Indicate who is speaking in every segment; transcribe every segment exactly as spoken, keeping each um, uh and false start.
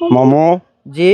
Speaker 1: মামু
Speaker 2: জি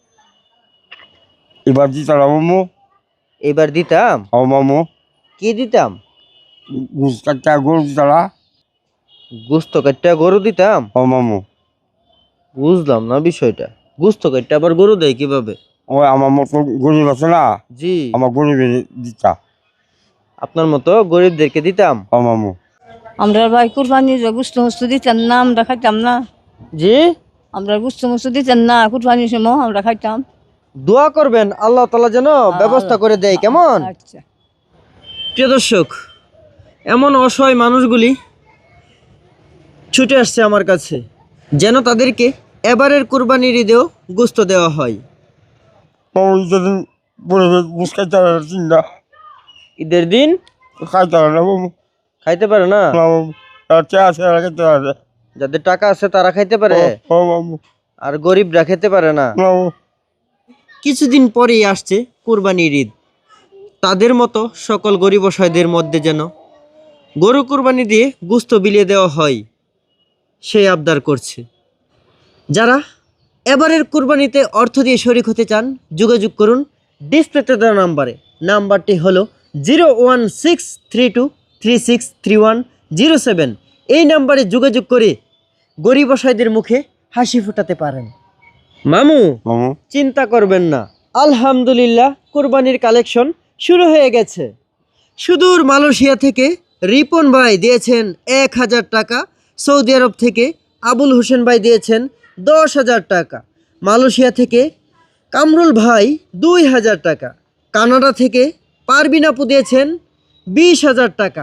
Speaker 1: এবার দিতাম মামু।
Speaker 2: এবার দিতাম।
Speaker 1: ও মামু
Speaker 2: কি দিতাম?
Speaker 1: গুছ কাটা গরু দিতারা।
Speaker 2: গোস্ত কাটটা গরু দিতাম।
Speaker 1: ও মামু
Speaker 2: বুঝলাম না বিষয়টা। গোস্ত কাটটা আবার গরু দেয় কিভাবে?
Speaker 1: ওই আমার মতো গরিব আছে না,
Speaker 2: জি
Speaker 1: আমার গরিবের দিতা।
Speaker 2: আপনার মতো গরিবদেরকে দিতাম।
Speaker 1: ও মামু
Speaker 3: আমরা ভাই কুরবানি গুস্ত মুস্ত দিতাম না, আমরা খাইতাম না।
Speaker 2: জি
Speaker 3: আমরা গুস্ত মুস্ত দিতাম না, কুরবানির সময় আমরা খাইতাম।
Speaker 2: দোয়া করবেন আল্লাহ তাআলা যেন ব্যবস্থা করে দেয়, কেমন?
Speaker 3: আচ্ছা।
Speaker 2: প্রিয় দর্শক, এমন অসহায় মানুষগুলি ছুটে আসছে আমার কাছে যেন তাদেরকে এবারের কুরবানির ঈদেও গোস্ত দেওয়া হয়।
Speaker 1: মামু যেদিন পরিবেশ গুছ কাটা চিন্তা
Speaker 2: ঈদের দিন
Speaker 1: খাইতে পারে না মামু।
Speaker 2: খাইতে পারে না।
Speaker 1: মামু চা আছে খাইতে পারে।
Speaker 2: যাদের টাকা আছে তারা খাইতে পারে,
Speaker 1: ও মামু
Speaker 2: আর গরিবরা খেতে পারে না।
Speaker 1: মামু
Speaker 2: কিছুদিন পরেই আসছে কুরবানির ঈদ। তাদের মতো সকল গরিব অসহায়দের মধ্যে যেন গরু কুরবানি দিয়ে গোস্ত বিলিয়ে দেওয়া হয়, সেই আবদার করছে। যারা এবারের কুরবানিতে অর্থ দিয়ে শরিক হতে চান, যোগাযোগ করুন ডিসপ্লেতে দেওয়া নাম্বারে। নাম্বারটি হলো zero one six three two three six three one zero seven. এই নাম্বারে যোগাযোগ করে গরিব অসহায়দের মুখে হাসি ফোটাতে পারেন। মামু
Speaker 1: মামু
Speaker 2: চিন্তা করবেন না, আলহামদুলিল্লাহ কুরবানির কালেকশন শুরু হয়ে গেছে। সুদূর মালয়েশিয়া থেকে রিপন ভাই দিয়েছেন এক হাজার টাকা, সৌদি আরব থেকে আবুল হোসেন ভাই দিয়েছেন দশ হাজার টাকা, মালয়েশিয়া থেকে কামরুল ভাই দুই হাজার টাকা, কানাডা থেকে পারবিন আপু দিয়েছেন বিশ হাজার টাকা।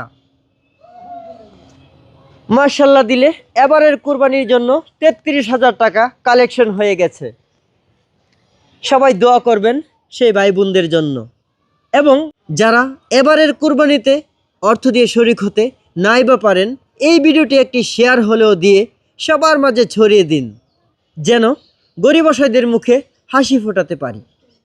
Speaker 2: মার্শাল্লাহ দিলে এবারের কুরবানির জন্য তেত্রিশ হাজার টাকা কালেকশন হয়ে গেছে। সবাই দোয়া করবেন সেই ভাই বোনদের জন্য। এবং যারা এবারের কুরবানিতে অর্থ দিয়ে শরিক হতে নাই বা পারেন, এই ভিডিওটি একটি শেয়ার হলেও দিয়ে সবার মাঝে ছড়িয়ে দিন, যেন গরিব অসহায়দের মুখে হাসি ফোটাতে পারি।